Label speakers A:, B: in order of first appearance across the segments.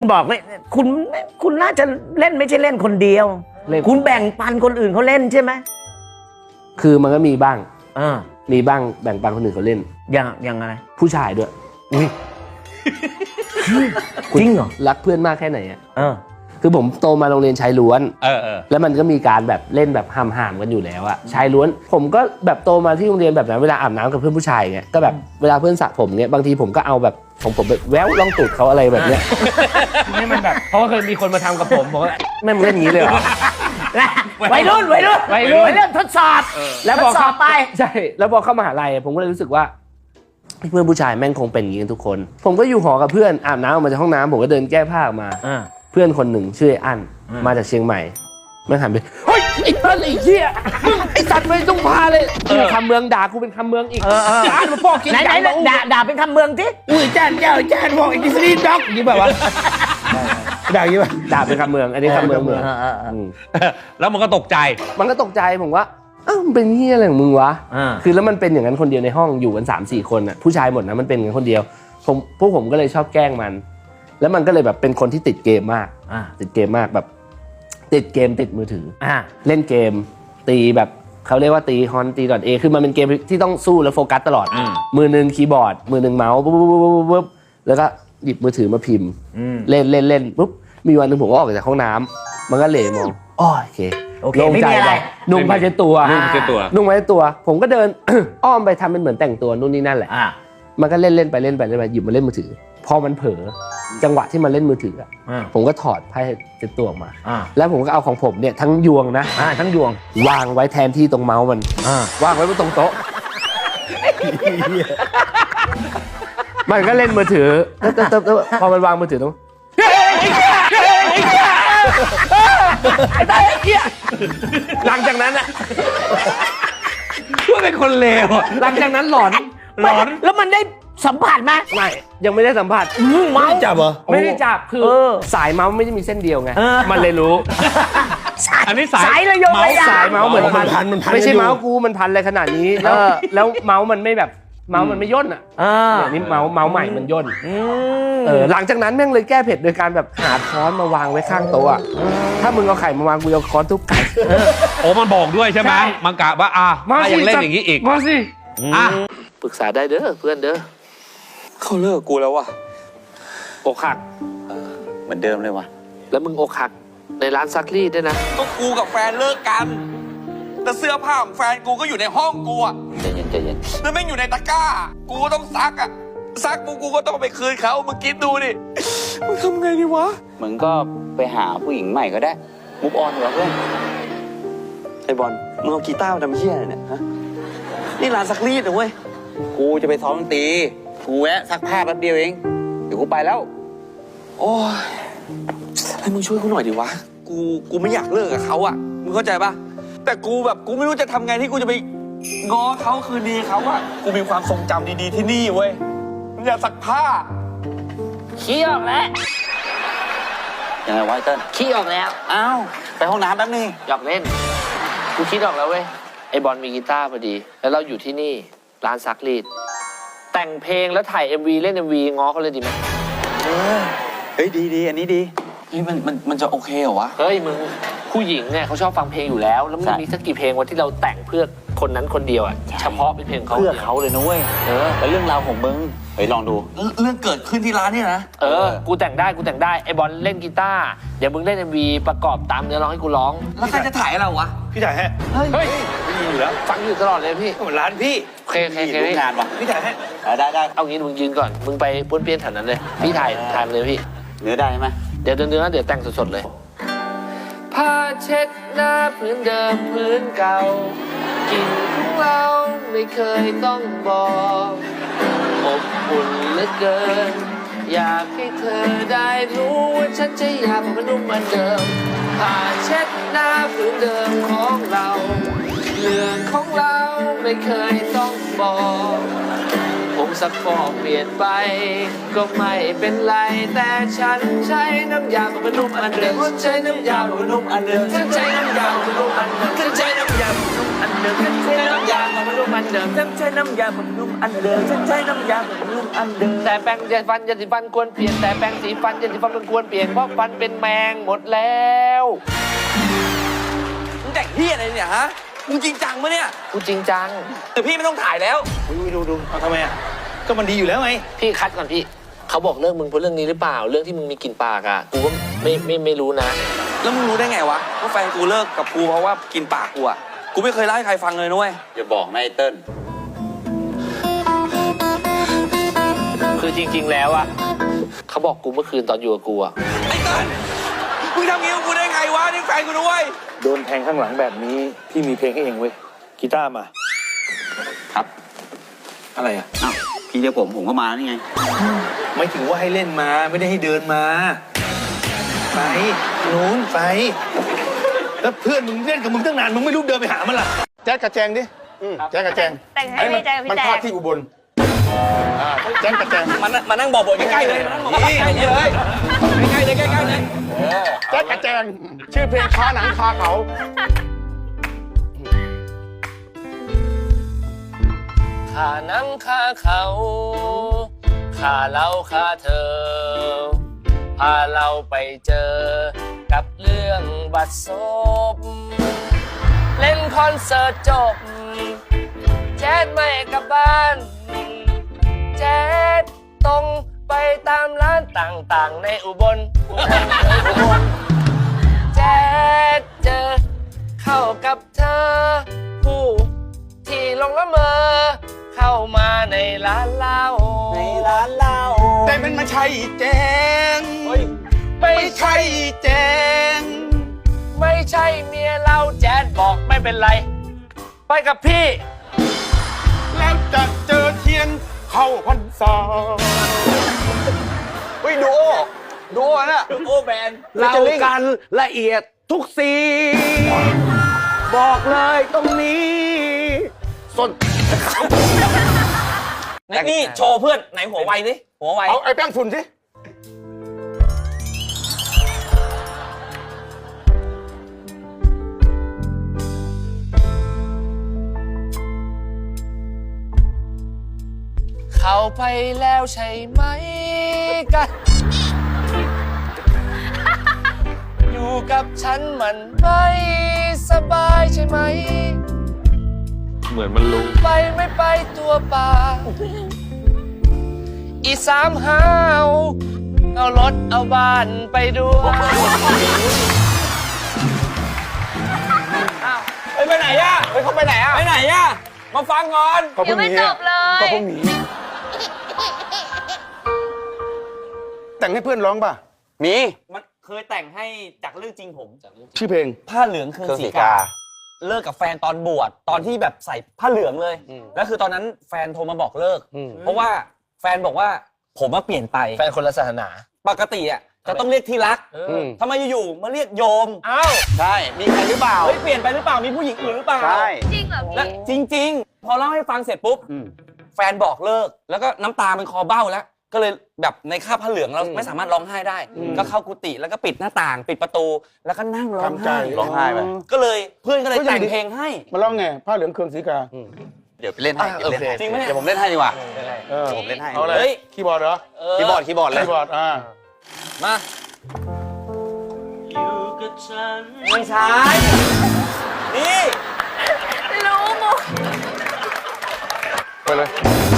A: บอกเลยคุณน่าจะเล่นไม่ใช่เล่นคนเดียวคุณแบ่งปันคนอื่นเขาเล่นใช่ไหม
B: คือมันก็มีบ้าง
A: อ่า
B: มีบ้างแบ่งปันคนอื่นเขาเล่น
A: อย่างอะไร
B: ผู้ชายด้วย
A: อุ้ยจริงเหรอ
B: รักเพื่อนมากแค่ไหนอ่ะคือผมโตมาโรงเรียนชายล้วนแล้วมันก็มีการแบบเล่นแบบห่ามกันอยู่แล้วอะชายล้วนผมก็แบบโตมาที่โรงเรียนแบบนั้นเวลาอาบน้ำกับเพื่อนผู้ชายเงี้ยก็แบบเวลาเพื่อนสระผมเงี้ยบางทีผมก็เอาแบบของผมแบบแววลองตูดเขาอะไรแบบเนี้ยนี่มันแบบเพราะว่าเคยมีคนมาทำกับผมบอกว่าแม่มึงเล่นอย่างนี้เลยเหรอ
A: วัยรุ่นทดสอบ
B: แล้วพอเข้าไปใช่แล้วพอเข้ามหาลัยผมก็เลยรู้สึกว่าเพื่อนผู้ชายแม่งคงเป็นอย่างนี้กันทุกคนผมก็อยู่หอกับเพื่อนอาบน้ำออกมาจากห้องน้ำผมก็เดินแก้ผ้าออกมาเพื่อนคนหนึ่งชื่ออั้นมาจากเชียงใหม่มันหันไปเฮ้ยไอ้เพื่อนไอ้เหี้ยไอ้สัตว์ไปต้องพาเลยคำเมืองด่ากูเป็นคำเมืองอีกอั้นมาพอกกิน
A: ไหนด่าเป็นคำเมืองที่
B: อุ้ยจ้านพอกไอ้ดิสนีย์ด็อกยี่แบบว่าด่ายี่แบบด่าเป็นคำเมืองอันนี้คำเมือง
C: แล้วมันก็ตกใจ
B: ผมว่าอ้าวมันเป็นเหี้ยอะไรของมึงวะคือแล้วมันเป็นอย่างนั้นคนเดียวในห้องอยู่กัน 3-4 คนอ่ะผู้ชายหมดนะมันเป็นอย่างนั้นคนเดียวพวกผมก็เลยชอบแกล้งมันแล้วมันก็เลยแบบเป็นคนที่ติดเกมมากติดเกมมากแบบติดเกมติดมือถือเล่นเกมตีแบบเขาเรียกว่าตีฮอนตี.A คือมันเป็นเกมที่ต้องสู้แล้วโฟกัสตลอดมือนึงคีย์บอร์ดมือนึงเมาส์ปุ๊บแล้วก็หยิบมือถือมาพิมพ์เล่นปุ๊บมีวันนึงผมก็ออกจากห้องน้ำมันก็เหล่มองโอเค
A: ลงใจอะไร
B: นุ่งผ้าเช็ดตัวผมก็เดิน อ้อมไปทำเป็นเหมือนแต่งตัวนู่นนี่นั่นแหละมันก็เล่นไปหยิบมาเล่นมือถือพอมันเผลอจังหวะที่มันเล่นมือถือผมก็ถอดผ้าเช็ดตัวออกมาแล้วผมก็เอาของผมเนี่ยทั้งยวงนะ
A: ทั้งยวง
B: วางไว้แทนที่ตรงเมาส์มันวางไว้บนตรงโต๊ะมันก็เล่นมือถือพอมันวางมือถือตรงหลังจากนั้นอะ
C: ว่าเป็นคนเลว
B: หลังจากนั้นหลอน
A: แล้วมันได้สัมผัสไหม
B: ไม่ยังไม่ได้สัมผัส
A: เมาส์
B: จับเหรอไม่ได้จับคือสายเมาส์ไม่ได้มีเส้นเดียวไงมันเลยรู้
C: อันนี้
A: สายระยงระยาง
B: สายเมาส์เหมือนพันไม่ใช่เมาส์กูมันพันอะไรขนาดนี้แล้วเมาส์มันไม่แบบเมาส์มันไม่ย่นอ่ะนี่เมาส์ใหม่มันย่นหลังจากนั้นแม่งเลยแก้เผ็ดโดยการแบบหาค้อนมาวางไว้ข้างโต๊ะถ้ามึงเอาไข่มาวางกูเอาค้อนทุบไก่
C: โอ้มันบอกด้วยใช่ไหมมันกะว่าถ้ายังเล่นอย่างนี้อีก
B: มาสิปรึกษาได้เด้อเพื่อนเด้อ
D: เขาเลิกกูแล้วว่ะ
B: อกหัก
D: เหมือนเดิมเลยว่ะ
B: แล้วมึงอกหักในร้านซักรีดด้วยนะ
D: ก็กูกับแฟนเลิกกันแต่เสื้อผ้าของแฟนกูก็อยู่ในห้องกูอ่ะใจเย็นแล้วแม่งอยู่ในตะกร้ากูก็ต้องซักอ่ะซักกูก็ต้องไปคืนเขามึงคิดดูดิมึงทำไงดีวะมึงก็ไปหาผู้หญิงใหม่ก็ได้มุกออนเหรอเพื่อนไอ้บอลมึงเอากีตาร์มาทำเหี้ยอะไรเนี่ยฮะนี่ร้านซักรีดนะเว้ยกูจะไปซ้อมดนตรีกูแวะซักผ้าแป๊บเดียวเองเดี๋ยวกูไปแล้วโอ้ยให้มึงช่วยกูหน่อยดิวะกูไม่อยากเลิกกับเขาอ่ะมึงเข้าใจปะแต่กูไม่รู้จะทำไงที่กูจะไปง้อเขาคืนดีเขาอ่ะกูมีความทรงจำดีๆที่นี่เว้ยมึงอยากซักผ้า
A: ขี้ออกแล้ว
D: ยังไงวะเติ้ล
A: ขี้ออกแล้ว
D: อ้าวไปห้องน้ำแป๊บนึง
B: อยากเล่นกูคิดออกแล้วเว้ยไอ้บอลมีกีตาร์พอดีแล้วเราอยู่ที่นี่ร้านซักรีดแต่งเพลงแล้วถ่าย MV เล่น MV ง้อเขาเลยดีไหม
D: เฮ้ยดีอันนี้ดีเฮ้ยมันจะโอเคเหรอวะ
B: เฮ้ยมึงผู้หญิงเนี่ยเขาชอบฟังเพลงอยู่แล้วแล้วมันมีสักกี่เพลงวะที่เราแต่งเพื่อคนนั้นคนเดียวอ่ะเฉพาะเป็นเพลงเขา
D: เพื่อเขาเลยนะเว้ยแล้วเรื่องราวของมึงเฮ้ยลองดูเรื่องเกิดขึ้นที่ร้านนี่นะ
B: กูแต่งได้ไอ้บอลเล่นกีตาร์เดี๋ยวมึงเล่น MV ประกอบตามเนื้อร้องให้กูร้อง
D: แล้วใครจะถ่ายเราวะ
C: พี่ถ่ายให้
B: เฮ้ยไม่มีอยู่แล้วฟังอยู่ตลอดเลยพี่
D: ร้านพี่
B: เค
D: งานวะพี่ถ่ายให้ได้
B: เอางี้มึงยืนก่อนมึงไปป้วนเปี้ยนแถวนั้นเลยพี่ถ่ายเลยพี่
D: เนื้อได้ไหม
B: เดี๋ยวแต่งสดๆเลยผ้าเช็ดหน้าพื้นเดิมพื้นเก่ากลิ่นของเราไม่เคยต้องบอกอบอุ่นเหลือเกินอยากให้เธอได้รู้ว่าฉันจะอยากเป็นนุ่มเหมือนเดิมผ้าเช็ดหน้าพื้นเดิมของเราเรื่องของเราไม่เคยต้องบอกอบสักฟองเปลี่ยนไป ก็ไม่เป็นไรแต่ฉันใช้น้ำยาบำรุงอันเดิมฉันใช้น้ำยาบำรุงอันเดิมฉันใช้น้ำยาบำรุงอันเดิมฉันใช้น้ำยาบำรุงอันเดิมฉันใช้น้ำยาบำรุงอันเดิมฉันใช้น้ำยาบำรุงอันเดิมฉันใช้น้ำยาบำรุงอันเดิมแต่แปรงยาสีฟันควรเปลี่ยนแต่แปรงสีฟันยาสีฟันควรเปลี่ยนเพราะฟันเป็นแมงหมดแล้ว
D: มึงแต่งเฮียอะไรเนี่ยฮะมึงจริงจังปะเนี่ย
B: กูจริงจัง
D: แต่พี่ไม่ต้องถ่ายแล้ว
E: ดูเอาทำไมอ่ะก็มันดีอยู่แล้วไง
B: พี่คัดก่อนพี่เขาบอกเลิกมึงเพราะเรื่องนี้หรือเปล่าเรื่องที่มึงมีกลิ่นปากอ่ะกูก็ไม่รู้นะ
D: แล้วมึงรู้ได้ไงวะว่าแฟนกูเลิกกับกูเพราะว่ากินปากกูอะกูไม่เคยเล่าให้ใครฟังเลยนุ้ย
E: อย่าบอกนะไอ้เติ้ล
B: คือจริง ๆ แล้วอ่ะเขาบอกกูเมื่อคืนตอนอยู่กับกูอ่ะ
D: ไอ้เติ้ลมึงทำงี้กับกูได้ไงวะนี่แฟนกูนุ้ย
E: โดนแทงข้างหลังแบบนี้พี่มีเพลงให้เองเว้ยกีตาร์มา
F: ครับ
E: อะไรอ่ะ
F: อ้าวพี่เรียกผมก็มานี่ไง
E: ไม่ถึงว่าให้เล่นมาไม่ได้ให้เดินมาไปนู้นไปแล้วเพื่อนมึงเล่นกับมึงตั้งนานมึงไม่รู้เดินไปหามันล่ะแจ๊กกระแจงดิแจ๊กกระแจง
G: แต่งให้พี่แจ๊คกับ
E: มัน
G: พี่แจ๊
E: พา
G: ค
E: ที่อุบลแจ๊กกระแจง
D: มานั่งบอกบทใกล้ๆเลยมานั่งบอกใกล้ๆเลยใกล้ๆเลยใกล้ๆเลย
E: แจ๊กกระแจงชื่อเพลงคาหนังคาเขา
B: ข้านังข้าเขาข้าเราข้าเธอพาเราไปเจอกับเรื่องบัดซบเล่นคอนเสิร์ตจบแจ๊ดไม่กลับบ้านแจ๊ดตรงไปตามร้านต่างๆในอุบลแจ๊ดเจอเข้ากับเธอผู้ที่ลงละเมอเข้ามาในร้านเหล้า
E: แต่มันไม่ใช่แจง
B: ไม่ใช่
E: แจง
B: ไม่ใช่เมียเราแจ๊ดบอกไม่เป็นไร ไปกับพี่
E: แล้วจะเจอเทียนเข้าพรรษา
D: เฮ้ยดูโอน่ะดูโอแบน
A: เรากันละเอียดทุกสีบอกเลยตรงนี้ส้น
D: นี่โชว์เพื่อนไหนหัวไวดิหัวไว
E: เอาไอ้แป้งฝุ่นสิ
B: เข้าไปแล้วใช่ไหมกัน อยู่กับฉันมันไม่สบายใช่ไหม
C: เหมือนมันรู้
B: ไปไม่ไปตัวเปล่าอีสามห้าวเอารถเอาบ้านไปด้วย
D: เฮ้ยไปไหนอะเฮ้ยเขาไปไหนอะไปไหนอะมาฟังก่อน
G: ยังไม่จบเลย
E: ก็พวกหนีแต่งให้เพื่อนร้องป่ะ
F: มี
D: มันเคยแต่งให้จากเรื่องจริงผม
E: ชื่อเพลง
D: ผ้าเหลืองเครื่องสีกา เลิกกับแฟนตอนบวชตอนที่แบบใส่ผ้าเหลืองเลยแล้วคือตอนนั้นแฟนโทรมาบอกเลิก เพราะว่าแฟนบอกว่าผมมาเปลี่ยนไป
B: แฟนคนละศาสนา
D: ปกติอ่ะจะต้องเรียกที่รักทำไมอยู่ๆมาเรียกโยม
B: อ้าว
F: ใช่ มีใครหรือเปล่า
D: เฮ้ยเปลี่ยนไปหรือเปล่ามีผู้หญิงอื่นหรือเปล่า
F: ใช่
G: จริงเหรอ
D: และ
G: พี่
D: จริง ๆ พอเล่าให้ฟังเสร็จปุ๊บแฟนบอกเลิกแล้วก็น้ำตาเป็นคอเบ้าแล้วก็เลยแบบในคราบผ้าเหลืองเราไม่สามารถร้องไห้ได้ ก็เข้ากุฏิแล้วก็ปิดหน้าต่างปิดประตูแล้วก็นั่งร้องไห้
F: ร้องไห้ไป
D: ก็เลยเพื่อนก็เลยแต่งเพลงให้
E: มาร้องไงผ้าเหลืองเครื่องสีกา
F: เดี๋ยวไปเล่นให้
B: โอเค
D: จริงไหมเนี่ย
F: เดี๋ยวผมเล่นให้ดีกว่า
E: เออ
F: ผมเล่นให้
E: เอาเลย
D: เฮ้ย
E: คีย์บอร์ดเหรอ
F: คีย์บอร์ดคีย์บอร์ดเลย
E: คีย์บอร์ด
D: มา ไม่ใช่ นี่
G: รู้มุก
E: ไปเลย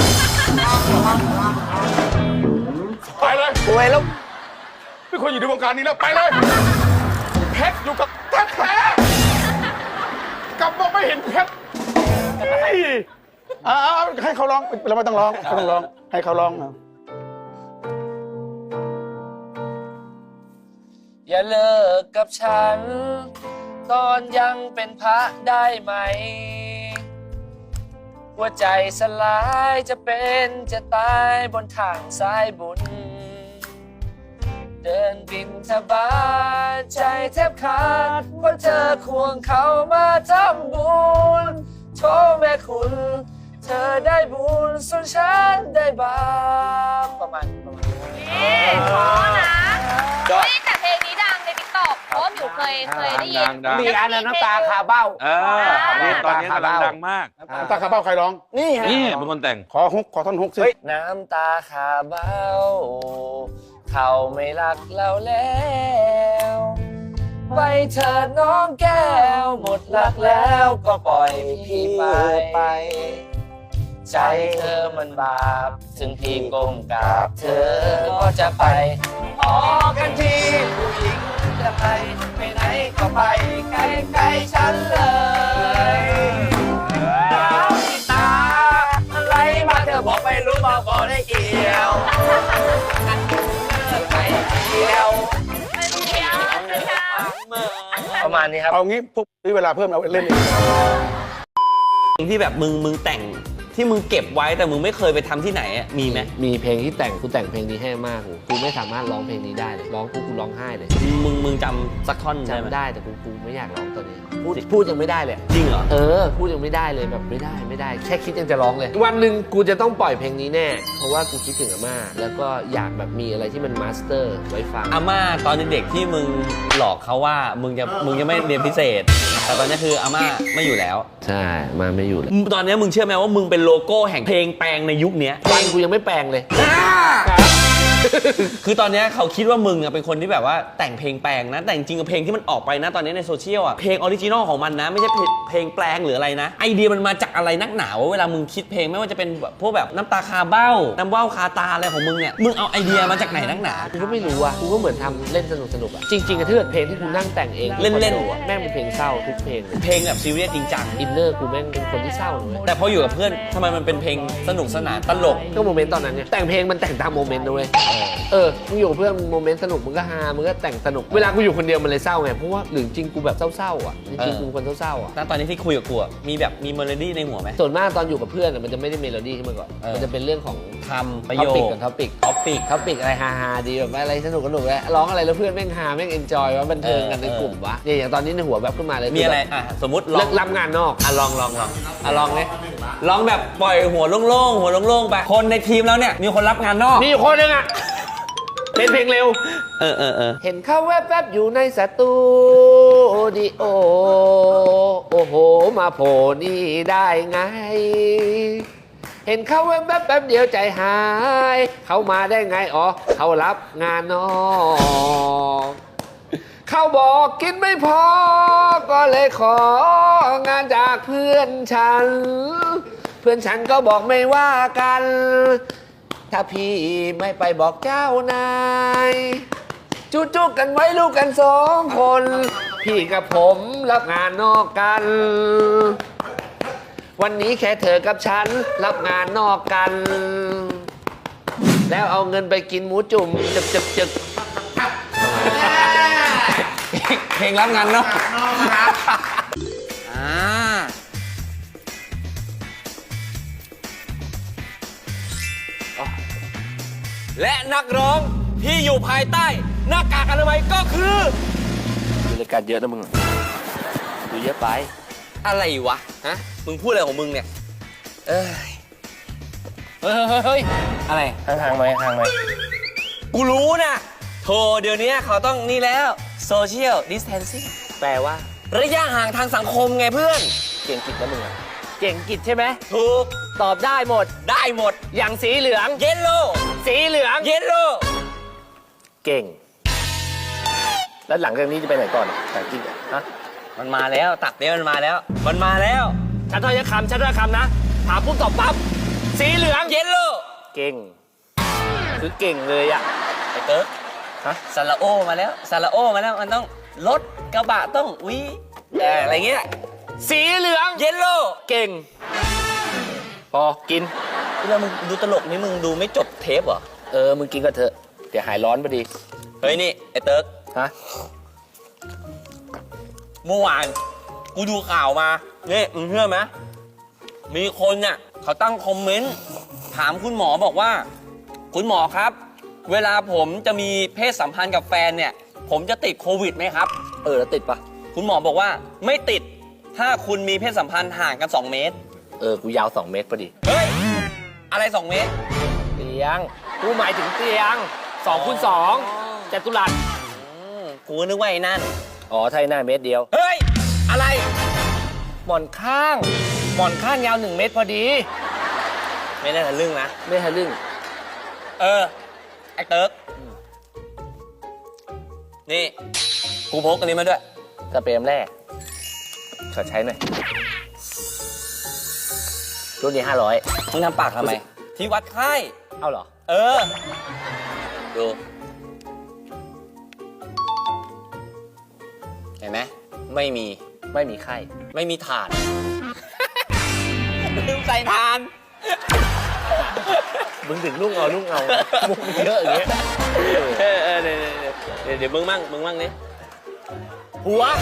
E: ไปเลย
A: สวยแล้ว
E: ไม่ควรอยู่ในวงการนี้แล้ว ไปเลย เพชรอยู่กับแท้ๆกลับมาไม่เห็นเพชรให้เขาร้อง เราไม่ต้องร้องเขาต้องร้อง ให้เขาร้อง
B: อย่าเลิกกับฉัน ตอนยังเป็นพระได้ไหม หัวใจสลายจะเป็นจะตายบนทางสายบุญ เดินบินทบาทใจแทบขาดเพราะเธอควงเขามาทำบุญโชว์แม่คุณเธอได้บุญส่วนฉันได้บาปประมาณ
G: นี่เพราะนะเฮ้ยแต่เพลงนี้ดังในติ๊กต็อกเพราะว่าหมิวเคยได้ยิน
C: ดัง
A: มีอันนั้นน้ำตาคาเบ้า
C: เออนี่ตอนนี้กำลังดังมาก
E: น้ำตาคาเบ้าใครร้อง
A: นี่ฮะ
C: นี่เป็นคนแต่ง
E: ขอท่อนฮุกสิ
B: น้ำตาคาเบ้าเขาไม่รักเราแล้วไปเถิดน้องแก้วหมดรักแล้วก็ปล่อยพี่ไป ใจเธอมันบาปถึงพี่ก้มกราบเธอก็จะไปพอกันทีผู้หญิงจะไปไหนก็ไปใกล้ๆฉันเลยน้ำตาอะไรมาเธอบอกไม่รู้บอกก็ได้เกี่ยวไปเกี่ยว
G: เป็นเดียวนะคะ
B: ประมาณนี้ครับ
E: เอางี้พวกนี้เวลาเพิ่มเอาเล่นอีก
F: ที่แบบมึงแต่งที่มึงเก็บไว้แต่มึงไม่เคยไปทำที่ไหนอะมีไหม
B: มีเพลงที่แต่งกูแต่งเพลงนี้ให้มากกูไม่สามารถร้องเพลงนี้ได้เลยร้องกูร้องไห้เลย
F: มึงจำสักท่อนได้ไหม
B: จำได้แต่กูไม่อยากร้องตอนนี้พูดยังไม่ได้เลย
F: จริงเหรอ
B: พูดยังไม่ได้เลยแบบไม่ได้แค่คิดยังจะร้องเลย วันหนึ่งกูจะต้องปล่อยเพลงนี้แน่เพราะว่ากูคิดถึงอาม่าแล้วก็อยากแบบมีอะไรที่มันมาสเตอร์ไว้ฟัง
F: อาม่าตอนเด็กๆที่มึงหลอกเขาว่ามึงจะไม่เรียนพิเศษ แต่ตอนนี้คืออาม่าไม่อยู่แล้ว
B: ใช่มาไม่อยู่เลย
F: ตอนนี้มึงเชื่อไหมว่ามึงเป็นโลโก้แห่งเพลงแปลงในยุคเนี้ย
B: ฟันกูยังไม่แปลงเลย
F: คือตอนนี้เขาคิดว่ามึงอะเป็นคนที่แบบว่าแต่งเพลงแปลงนะแต่จริงๆเพลงที่มันออกไปนะตอนนี้ในโซเชียลอะเพลงออริจินอลของมันนะไม่ใช่เพลงแปลงหรืออะไรนะไอเดียมันมาจากอะไรนักหนาวะเวลามึงคิดเพลงไม่ว่าจะเป็นแบบพวกแบบน้ำตาคาเบ้าน้ำว่าวคาตาอะไรของมึงเนี่ยมึงเอาไอเดียมาจากไหนนักหนา
B: กูก็ไม่รู้อ่ะกูก็เหมือนทำเล่นสนุกอ่ะจริงๆอะถ้าเกิดเพลงที่กูนั่งแต่งเอง
F: เล่นๆ
B: คอโดอะแม่งเป็นเพลงเศร้าทุกเพลงเลย
F: เพลงแบบซีเรียสจริงจัง
B: อินเนอร์กูแม่งเป็นคนที่เศร้าเลย
F: แต่พออยู่กับเพื่อนทำไมมันเป็นเพลงสนุกสนานตลก
B: ก็โมเมนต์ตอนนั้นเนี่ยแต่งเพลงมันแต่งตามโมเมนต์ด้วยมึงอยู่กับเพื่อนมึงโมเมนต์สนุกมึงก็ฮามึงก็แต่งสนุกเวลากูอยู่คนเดียวมันเลยเศร้าไงเพราะว่าหรือจริงกูแบบเศร้าๆอ่ะจริงๆกูเป็นคนเศร้าๆอ่ะ
F: แล้วตอนนี้ที่คุยกับกูอะมีแบบมีเมโลดี้ในหัวไหม
B: ส่วนมากตอนอยู่กับเพื่อนอะมันจะไม่ได้เมโลดี้ขึ้นมาก่อนมันจะเป็นเรื่องของ
F: คำประ
B: ท็อ
F: โย
B: ปิก
F: ค
B: กับท็อปิก
F: ท็อปิก
B: ท็อปิกอะไรฮาๆดีแบบอะไรสนุกแล้วร้องอะไรแล้วเพื่อนแม่งฮาแม่งเอนจอยว่าบันเทิงกันในกลุ่มวะเนี่ยอย่างตอนนี้ในหัวแบบขึ้นมาเลย
F: มีอะไรสมมติลอ
B: เลิ
F: ง
B: กรับงานนอก
F: ลองเนี่ยลองแบบปล่อยหัวโล่งๆไปคนในทีมแล้วเนี่ยมีคนรับงานนอก
B: มีอยู่คนนึงอ่ะเป็นเพลงเร็ว
F: เออ
B: เห็นเขาแวบๆอยู่ในสตูดิโอโอ้โหมาโผล่นี่ได้ไง เห็นเขาแวบๆแป๊บเดียวใจหาย เขามาได้ไงอ๋อเขารับงานนอกเขาบอกกินไม่พอ ก็เลยของานจากเพื่อนฉัน เพื่อนฉันก็บอกไม่ว่ากัน ถ้าพี่ไม่ไปบอกเจ้านายจุกกันไว้ลูกกันสองคน พี่กับผมรับงานนอกกัน วันนี้แค่เธอกับฉันรับงานนอกกัน แล้วเอาเงินไปกินหมูจุ่มจึก
F: เพลงรับงานนอกและนักร้องที่อยู่ภายใต้หน้ากากอนามัยก็คือ
B: ดูรายการเยอะนะมึงดูเยอะไป
F: อะไรวะฮะมึงพูดอะไรของมึงเนี่ยเฮ้ยอะไร
B: ห่างๆไหมห่างไหม
F: กูรู้นะโธ่เดี๋ยวนี้เขาต้องนี่แล้วโซเชียลดิสแทนซิ่ง
B: แปลว่า
F: ระยะห่างทางสังคมไงเพื่อน
B: เก่งกิจนะมึงอะเก่งกิจใช่ไหม
F: ถูก
B: ตอบได้หมด
F: ได้หมด
B: อย่างสีเหลือง
F: เยลโล่
B: สีเหลือง
F: เยลโล่
B: เก่ง แล้วหลังจากนี้จะไปไหนก่อนแต่จริงอะฮะ
F: มันมาแล้วตักเนี้ยมันมาแล้ว
B: ชัดถ้อยคำนะถามปุ๊บตอบปั๊บสีเหลือง
F: เยลโล่
B: เก่ง คือเก่งเลยอะ
F: ไอ้เติร์ก
B: ฮะ
F: ซาลาโอมาแล้วมันต้องรถกระบะต้องวิอะไรเงี้ย
B: สีเหลือง
F: เยลโล่
B: เก่ง พอกิน
F: เวลามึงดูตลกนี่มึงดูไม่จบเทปเหรอ
B: มึงกินก็เถอะเดี๋ยวหายร้อนพอดี
F: เฮ้ยนี่ไอ้เติร์ก
B: ฮะ
F: เมื่อวานกูดูข่าวมานี่มึงเชื่อไหมมีคนเนี่ยเขาตั้งคอมเมนต์ถามคุณหมอบอกว่าคุณหมอครับ เวลาผมจะมีเพศสัมพันธ์กับแฟนเนี่ยผมจะติดโควิดไหมครับ
B: แล้วติดปะ
F: คุณหมอบอกว่าไม่ติดถ้าคุณมีเพศสัมพันธ์ห่างกัน2 เมตร
B: กูยาว2 เมตรพอดี
F: เฮ้ย อะไร 2 เมตร
B: เตียง กูหมายถึงเตียง2 คูณ 2จัตุรัส
F: กูนึกว่าไอ้นั่น
B: อ๋อไทยหน้าเมตรเดียว
F: เฮ้ย อะไร
B: หมอนข้าง หมอนข้างยาว1 เมตรพอดี
F: ไม่ได้ทะลึ่งนะ
B: ไม่ทะลึ่ง
F: ไอ้เติร์กนี่ กูพกอันนี้มาด้วย
B: สเปรมแรกขอใช้หน่อย รุ่นนี้500
F: มึงทำปากทำไม ที่วัดไข้
B: เอาเหรอ
F: ดู เห็นไหม ไม่มี
B: ไม่มีไข้
F: ไม่มีถาด ลืมใส่ทาน
B: มึงถึงลุ่งเอามุกมันเยอะอย่างเงี้ย
F: เดี๋ยวมึงมั่งนี่
B: หัว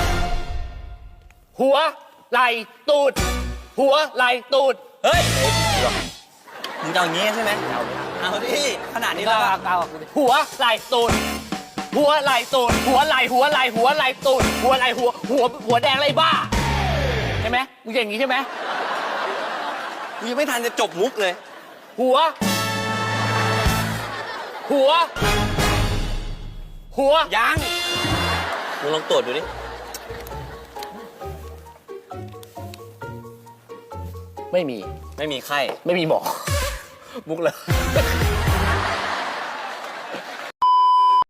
B: ไหล่ตูด หัว ไหล่ตูด
F: เฮ้ย มึงจะเอาอย่างงี้ใช่ไหมเอาดิ ขนาดนี้แล้วอะ
B: หัว ไหล่ตูด หัว ไหล่ตูด หัว ไหล่ตูด หัว ไหล่หัวแดงไรบ้า ใช่ไหมมึงอย่างงี้ใช่ไหม
F: กูยังไม่ทันจะจบมุกเลย
B: หัว
F: ยัง มึงลองตรวจดูดิ
B: ไม่มี
F: ไม่มีไข้
B: ไม่มีหมอ มุกเลย